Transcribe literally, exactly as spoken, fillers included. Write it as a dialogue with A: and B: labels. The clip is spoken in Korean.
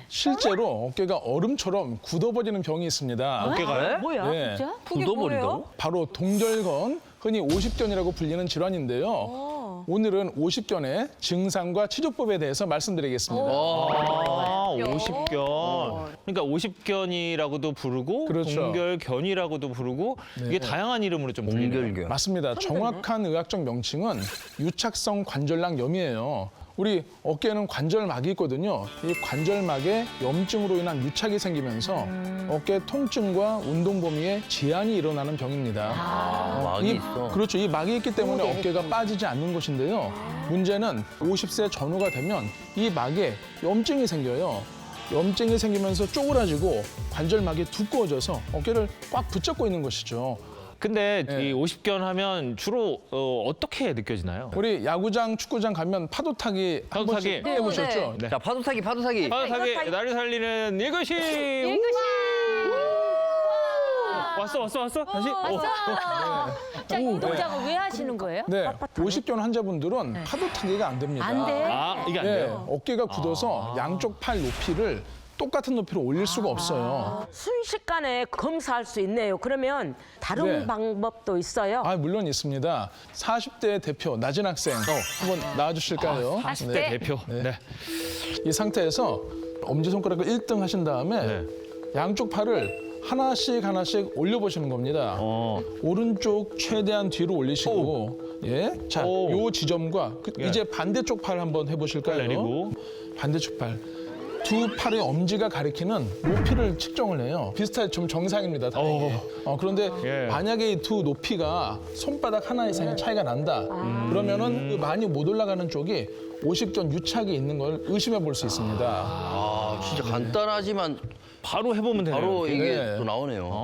A: 실제로 어깨가 얼음처럼 굳어버리는 병이 있습니다.
B: 어깨가요?
C: 뭐야,
A: 네.
C: 진짜?
B: 굳어버린다고?
A: 바로 동결근, 흔히 오십견이라고 불리는 질환인데요. 오늘은 오십견의 증상과 치료법에 대해서 말씀드리겠습니다.
B: 아, 오십견. 그러니까 오십견이라고도 부르고
A: 그렇죠.
B: 동결견이라고도 부르고 이게 다양한 이름으로 좀 불리네요.
D: 동결견.
A: 맞습니다. 정확한 의학적 명칭은 유착성 관절낭염이에요. 우리 어깨에는 관절막이 있거든요. 이 관절막에 염증으로 인한 유착이 생기면서 어깨 통증과 운동 범위에 제한이 일어나는 병입니다.
D: 막이
A: 이,
D: 있어.
A: 그렇죠. 이 막이 있기 때문에 어깨가 빠지지 않는 것인데요. 문제는 오십 세 전후가 되면 이 막에 염증이 생겨요. 염증이 생기면서 쪼그라지고 관절막이 두꺼워져서 어깨를 꽉 붙잡고 있는 것이죠.
B: 근데
A: 네.
B: 이 오십견 하면 주로 어, 어떻게 느껴지나요?
A: 우리 야구장, 축구장 가면 파도 타기 한
B: 파도타기.
A: 번씩 해보셨죠?
B: 네.
D: 자, 파도 타기, 파도 타기.
B: 파도타기 나를 살리는 일거시. 왔어 왔어 왔어 다시. 오.
C: 자, 이 동작을 왜 하시는 거예요?
A: 네, 오십견 환자분들은 파도 타기가 안 됩니다.
C: 안 돼?
B: 아 이게 안
A: 네,
B: 돼요?
A: 어깨가 굳어서 양쪽 팔 높이를 똑같은 높이로 올릴 수가 없어요.
E: 순식간에 검사할 수 있네요. 그러면 다른
A: 네.
E: 방법도 있어요?
A: 아, 물론 있습니다. 사십 대 대표 나진 학생 한번 나와주실까요?
B: 사십 대 대표. 네.
A: 이 상태에서 엄지손가락을 일 등 하신 다음에
B: 네.
A: 양쪽 팔을 하나씩 하나씩 올려보시는 겁니다.
B: 어.
A: 오른쪽 최대한 뒤로 올리시고, 예, 자,
B: 오.
A: 요 지점과 그,
B: 예.
A: 이제 반대쪽 팔 한번 해보실까요?
B: 내리고.
A: 반대쪽 팔. 두 팔의 엄지가 가리키는 높이를 측정을 해요. 비슷하게 좀 정상입니다. 다행히. 어, 그런데
B: 예.
A: 만약에 이 두 높이가 손바닥 하나 이상의 차이가 난다. 그러면은 그 많이 못 올라가는 쪽이 오십견 유착이 있는 걸 의심해 볼 수 있습니다.
D: 아, 진짜 간단하지만
B: 바로 해보면 되네요.
D: 바로
B: 이렇게.
D: 이게
A: 네.
D: 또 나오네요.